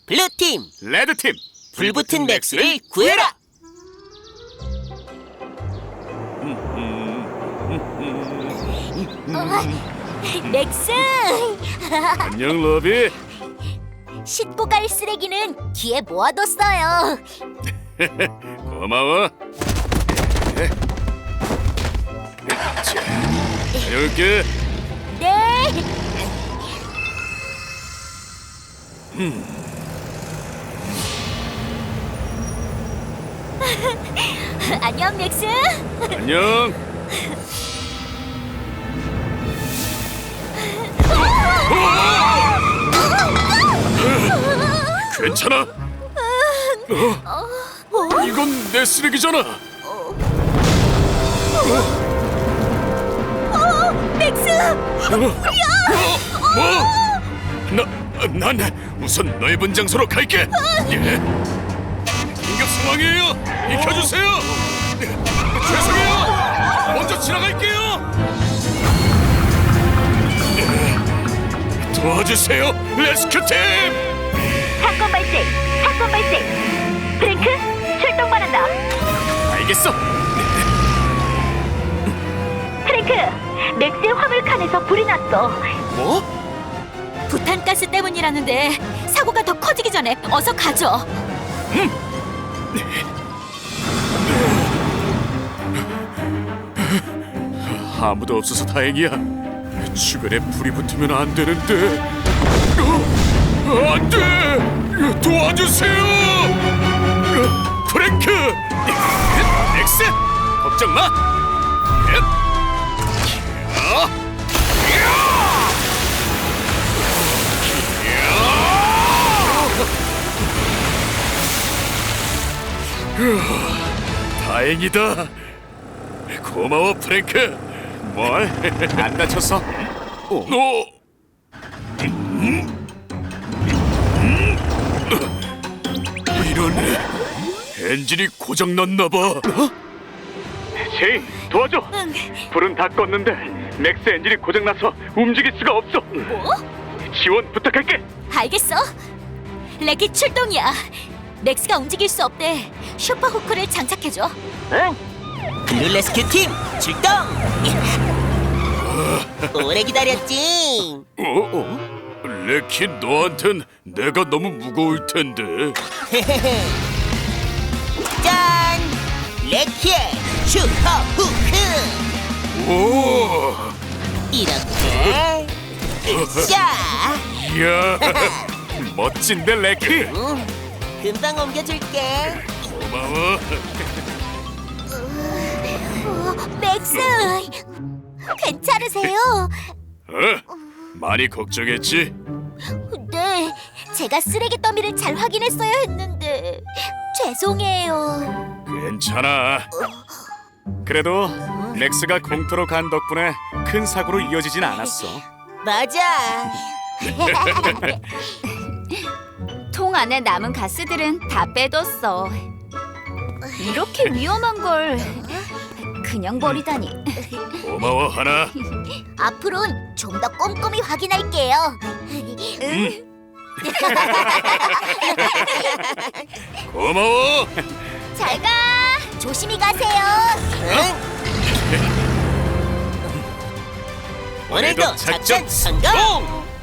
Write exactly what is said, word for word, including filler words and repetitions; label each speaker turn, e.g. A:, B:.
A: 블루팀
B: 레드팀
A: 불붙은 맥스를 구해라.
C: 맥스!
B: 안녕 러비.
C: 싣고 갈 쓰레기는 뒤에 모아뒀어요.
B: 고마워. 자, 다녀올게.
C: 네. 안녕 맥스.
B: 안녕. 괜찮아? 어? 이건 내 쓰레기잖아.
C: 맥스!
B: 어? 뭐? 나, 난 우선 넓은 장소로 갈게. 예. 긴급 상황이에요. 비켜주세요. 죄송해요. 먼저 지나갈게요. 도와주세요, 레스큐 팀.
C: 사건 발생! 사건 발생! 프랭크, 출동 바란다.
B: 알겠어.
C: 프랭크, 맥스의 화물칸에서 불이 났어.
B: 뭐?
C: 부탄가스 때문이라는데 사고가 더 커지기 전에 어서 가죠.
B: 아무도 없어서 다행이야. 주변에 불이 붙으면 안 되는데. 어, 안 돼! 도와주세요! 프랭크! 엑스! 걱정 마! 다행이다. 고마워 프랭크. 뭘? 안 다쳤어? 어? 너... 이런... 엔진이 고장났나봐. 어? 제이, 도와줘.
C: 응.
B: 불은 다 껐는데 맥스 엔진이 고장나서 움직일 수가 없어.
C: 뭐?
B: 지원 부탁할게.
C: 알겠어. 레키 출동이야. 맥스가 움직일 수 없대. 슈퍼 후크를 장착해줘.
A: 응. 블루 레스큐 팀 출동. 오래 기다렸지.
B: 어? 어? 레키, 너한텐 내가 너무 무거울 텐데.
A: 짠! 레키의 슈퍼 후크.
B: 오!
A: 이렇게 자,
B: 이야, 멋진데 레키.
A: 응, 금방 옮겨줄게.
B: 고마워.
C: 어, 맥스! 괜찮으세요?
B: 어? 많이 걱정했지?
C: 네, 제가 쓰레기 더미를 잘 확인했어야 했는데 죄송해요.
B: 괜찮아. 그래도 렉스가 공터로 간 덕분에 큰 사고로 이어지진 않았어.
A: 맞아.
D: 통 안에 남은 가스들은 다 빼뒀어. 이렇게 위험한 걸 그냥 버리다니.
B: 고마워 하나.
C: 앞으로는 좀 더 꼼꼼히 확인할게요.
B: 고마워.
C: 잘 가. 조심히 가세요.
A: 응? 오늘도 작전 성공.